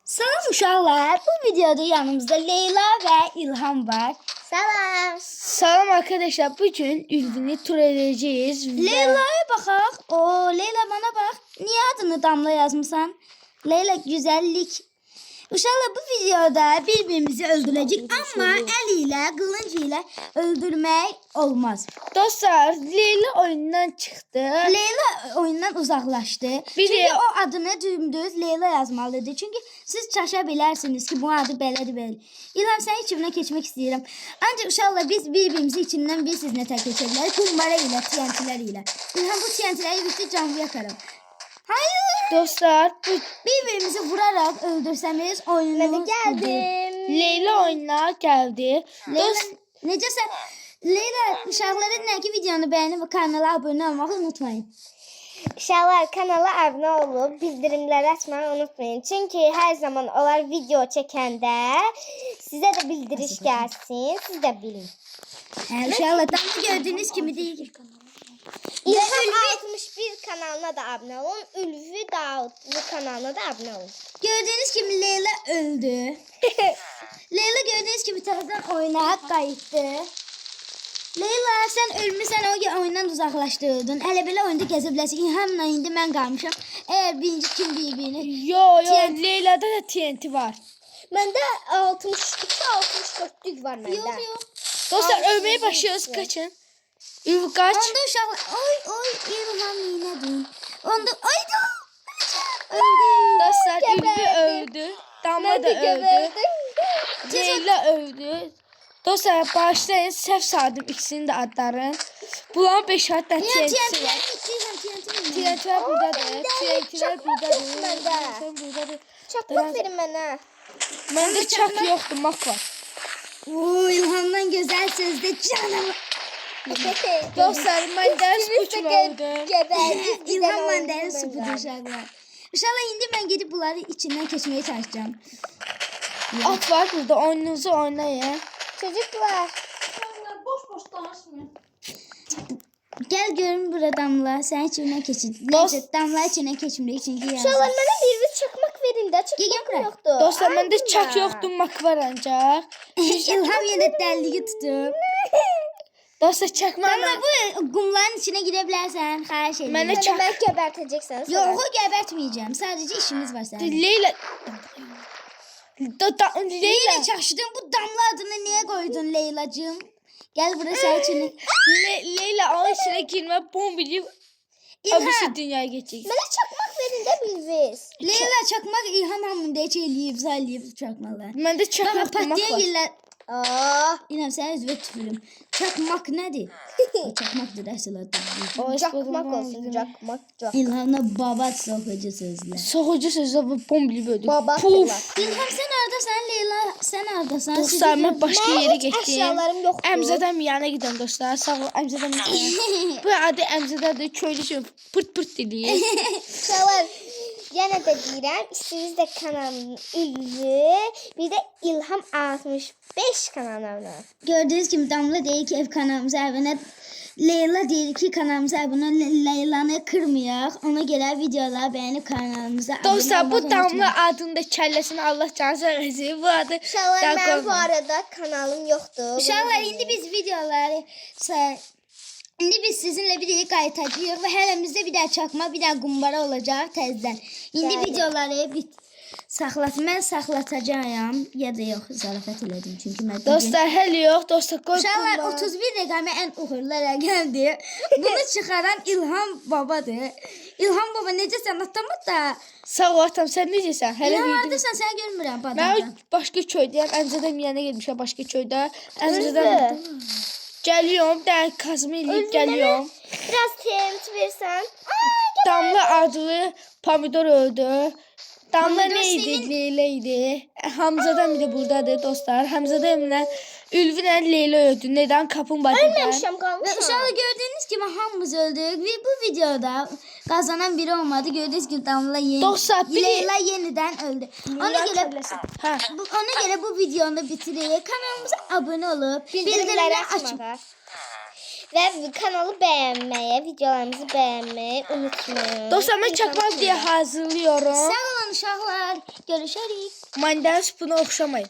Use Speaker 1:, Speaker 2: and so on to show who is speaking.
Speaker 1: Salam uşaqlar. Bu videoda yanımızda Leyla ve İlham var.
Speaker 2: Salam.
Speaker 3: Selam arkadaşlar. Bugün Ülvin'i tur edeceğiz.
Speaker 1: Leyla'ya baxaq. Leyla bana bak. Niye adını Damla yazmışsan? Leyla güzellik. Uşaqlar bu videoda birbirimizi öldürəcək, amma əl ilə, qılınc ilə öldürmək olmaz.
Speaker 3: Dostlar, Leyla oyundan çıktı.
Speaker 1: Leyla oyundan uzaqlaşdı. Çünki o adını dümdüz Leyla yazmalıdır. Çünki siz çaşa bilərsiniz ki, bu adı belədir belə. İlham, sən içimdən keçmək istəyirəm. Ancaq uşaqlar biz birbirimizi içindən bir sizinlə tək keçə bilərik. Kumbara ilə, TNT'lər ilə. İlham, bu TNT'ləri bitti, canlı yakarım. Hayır.
Speaker 3: Dostlar,
Speaker 1: Birbirimizi vurarak öldürsəmiz oyunu
Speaker 2: Geldim.
Speaker 3: Leyla oyuna geldi.
Speaker 1: Leyla, necəsən? Leyla, uşaqlara nə ki videonu bəyənib və kanala abunə olmağı unutmayın.
Speaker 2: İnşallah kanala abone olup bildirimleri açmayı unutmayın. Çünkü her zaman onlar video çekende size de bildiriş gelsin. Siz de bilin.
Speaker 1: Uşaqlar, tam gördüyünüz kimi deyil.
Speaker 2: İlham 61 kanalına da abone olun. Ülvi Davutlu kanalına da abone olun.
Speaker 1: Gördüyünüz kimi Leyla öldü. Leyla gördüğünüz gibi taraftan oyuna qayıtdı. Leyla, sən ölmüsən, o oyundan uzaqlaşdırdın. Hələ belə oyunda gəzə bilərsən. İlhamla indi mən qalmışam. Əgər birinci kim bir-birini...
Speaker 3: Yo, Leyla'da da TNT var.
Speaker 2: Bende 62-64'lük var bende.
Speaker 1: Yox.
Speaker 3: Dostlar, ölmeye başlıyoruz. Kaçın. Ülvi kaç.
Speaker 1: Onda uşaqlar... Oy, İlham neynədin? Onda... Ay, öldü.
Speaker 3: Dostlar, Ülvi öldü. Damla da öldü.
Speaker 2: Geberdim.
Speaker 3: Leyla öldü. Dostlar, başlayın. Səhv saydım ikisinin de adları. Bunların 5 hatta TNT'si var. TNT'ler buradadır. TNT'ler buradadır. TNT'ler buradadır.
Speaker 2: Çakmak verin bana.
Speaker 3: Məndə çak yoxdur, mak var.
Speaker 1: İlhamdan gözəl sözdə canım.
Speaker 3: Dostlar, mən dərs bu kimi oldum.
Speaker 2: Geberdim.
Speaker 1: İlham məndənin supudur uşaqlar. Uşaqlar, indi mən gedib bunları içindən keçməyə çalışacağım.
Speaker 3: At var burada, oyununuzu oynayın.
Speaker 2: Çocuklar.
Speaker 1: Boş danışmayın. Gəl görün burada Damla, sən içindən keçin.
Speaker 3: Dost-
Speaker 1: Neyse, Damla içindən keçmirik çünki
Speaker 2: Uşaqlar
Speaker 1: yazır.
Speaker 2: mənə bir çakmak verin də. Çakmak
Speaker 1: bura.
Speaker 2: yoktu.
Speaker 3: Dostlar, məndə çak yoxdur, mak var ancaq.
Speaker 1: İlham yenə dəlliyi tutub.
Speaker 3: Dostlar, çakmaqla...
Speaker 1: Damla, bu qumların içinə girə bilərsən, xahiş edirəm.
Speaker 3: Mənə
Speaker 2: Beni ben geberteceksiniz.
Speaker 1: Yox, gəbərtməyəcəm. Sadəcə işimiz var sənin.
Speaker 3: Leyla... Leyla...
Speaker 1: Yine çaşdın, bu Damla adını niye koydun Leylacığım? Gel buraya sen için.
Speaker 3: Leyla onun içine girme bombili... Abisi dünyaya geçecek.
Speaker 2: Bana çakmak verin de biliriz.
Speaker 1: Leyla çakmak İlham hamında hiç eləyib, zalləyib çakmalar.
Speaker 3: Məndə çak
Speaker 1: Bana
Speaker 3: yoxdur, mak
Speaker 1: patiyen
Speaker 3: var.
Speaker 1: yerler.
Speaker 2: Aa,
Speaker 1: İlham sen özüve tüpürüm. Çakmak nedir? O çakmaktır əsl adı.
Speaker 2: çakmak olsun. Çakmak.
Speaker 1: İlhamla baba sokucu sözler.
Speaker 3: Soğucu sözü bu bombili böldük.
Speaker 2: Baba
Speaker 3: Puf.
Speaker 1: İlham sen oradasan, Leyla sen oradasan.
Speaker 3: Dostlar, mən başqa yerə
Speaker 2: hiç
Speaker 3: getdim.
Speaker 2: eşyalarım yoktu.
Speaker 3: Əmzədəm yana gidən dostlar. Sağ ol, Əmzədəm yana. Bu adı Əmzədədir. Köylü üçün pırt pırt diliyir.
Speaker 2: Uşaqlar, yenə də deyirəm, siz də kanalın Ülvi, bir də İlham 65 kanalına.
Speaker 1: Gördüğünüz gibi Damla deyir ki ev kanalımıza abone. Leyla deyir ki kanalımıza abone. Leylanı kırmayaq. Ona göre videolar beğenip kanalımıza abone
Speaker 3: Dostlar, bu
Speaker 1: olmağı unutmayın.
Speaker 3: Damla adında kəlləsini Allah canı sağlasın. Bu adı
Speaker 2: Uşaqlar,
Speaker 3: daha
Speaker 2: mənim bu
Speaker 3: qoyma.
Speaker 2: arada kanalım yoxdur.
Speaker 1: Uşaqlar, indi biz videoları İndi biz sizinle bir daha qayıtacağıq və hələmizdə bir daha çakma, bir daha qumbara olacaq təzədən. İndi
Speaker 2: Bəli.
Speaker 1: videoları mən saxlatacağam ya da yox, zarafat elədim çünki mən
Speaker 3: Dostlar, hələ yox. Dostlar, qoy
Speaker 1: Uşaqlar,
Speaker 3: bunlar.
Speaker 1: 31 rəqəmi ən uğurlu rəqəmdir. Bunu çıxaran İlham babadır. İlham baba necəsən atamı da?
Speaker 3: Sağ ol atam, sən necəsən? Hələ
Speaker 1: İlham
Speaker 3: bildim.
Speaker 1: haradasan, sən görmürəm
Speaker 3: Mən
Speaker 1: badamdan.
Speaker 3: başqa köydəyəm. Əmzədəm yana gelmişəm başqa köydə.
Speaker 2: Ülvi,
Speaker 3: Əmzədəm gəliyorum, dəqiq kazımı eləyib gəliyorum.
Speaker 2: biraz TNT versən.
Speaker 3: Damla adlı pomidor öldü. Damla
Speaker 1: Pomidor
Speaker 3: neydi?
Speaker 1: senin-
Speaker 3: Leyla idi. Hamzadan bir de buradadır dostlar. Hamzadamla Ülvinlə Leyla öldü. Neden? Kapın badədən.
Speaker 2: Ölməmişəm,
Speaker 1: Və
Speaker 2: qalmışam.
Speaker 1: uşaqlar, gördüyünüz kimi hamımız öldük və bu videoda qazanan biri olmadı. Gördüyünüz gibi Damla
Speaker 3: Dostlar, biri-
Speaker 1: Leyla yenidən öldü. Ona görə
Speaker 3: Ha.
Speaker 1: ona görə bu videonu bitirək. Kanalımıza abunə olub
Speaker 2: Bildirimləri açmağa. ve kanalı beğenmeyi, videolarımızı beğenmeyi unutmayın.
Speaker 3: Dostlar ben çakmak diye hazırlıyorum.
Speaker 1: Sağ olun uşaqlar. Görüşərik.
Speaker 3: Mandarin spuna oxşamayın.